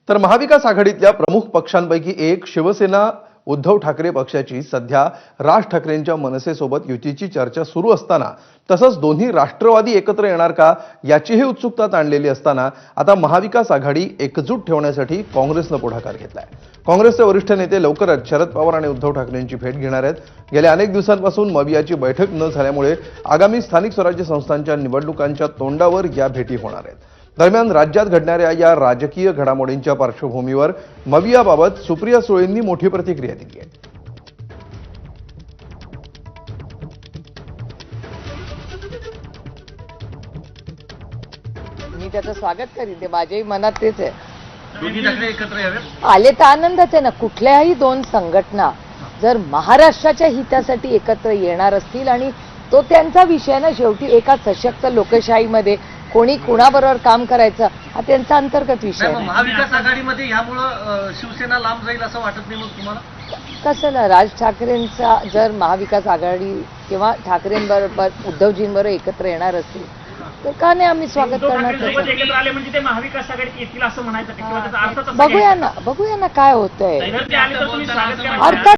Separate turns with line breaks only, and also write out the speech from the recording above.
तर महाविकास आघाडीतल्या प्रमुख पक्षांपैकी एक शिवसेना उद्धव ठाकरे पक्षाची सध्या राज ठाकरेंच्या मनसेसोबत युतीची चर्चा सुरू असताना तसंच दोन्ही राष्ट्रवादी एकत्र येणार का याचीही उत्सुकता ताणलेली असताना आता महाविकास आघाडी एकजूट ठेवण्यासाठी काँग्रेसनं पुढाकार घेतलाय। काँग्रेसचे वरिष्ठ नेते लवकरच शरद पवार आणि उद्धव ठाकरेंची भेट घेणार आहेत। गेल्या अनेक दिवसांपासून मवियाची बैठक न झाल्यामुळे आगामी स्थानिक स्वराज्य संस्थांच्या निवडणुकांच्या तोंडावर या भेटी होणार आहेत। दरम्यान राज्यात घडणाऱ्या या राजकीय घडामोडींच्या पार्श्वभूमीवर मवियाबाबत सुप्रिया सुळेंनी मोठी प्रतिक्रिया दिली आहे।
मी त्याचं स्वागत करीन, ते माझ्याही मनात तेच आहे।
दोन्ही ठाकरे एकत्र यावेत
आले तर आनंदच आहे ना। कुठल्याही दोन संघटना जर महाराष्ट्राच्या हितासाठी एकत्र येणार असतील आणि तो त्यांचा विषय ना, शेवटी एका सशक्त लोकशाहीमध्ये कोणी कुणाबरोबर काम करायचं हा त्यांचा अंतर्गत विषय आहे।
महाविकास आघाडीमध्ये यामुळे शिवसेना लांब जाईल असं वाटत नाही मग तुम्हाला?
कसं ना, राज ठाकरेंचा जर महाविकास आघाडी किंवा ठाकरेंबरोबर उद्धवजींबरोबर एकत्र येणार असतील तर का नाही आम्ही स्वागत करणार त्याचं।
एकत्र आले म्हणजे ते महाविकास आघाडीत येतील असं म्हणायचं किंवा त्याचा अर्थ
बघूया ना काय होतंय।
आले तर तुम्ही स्वागत करा।
अर्थात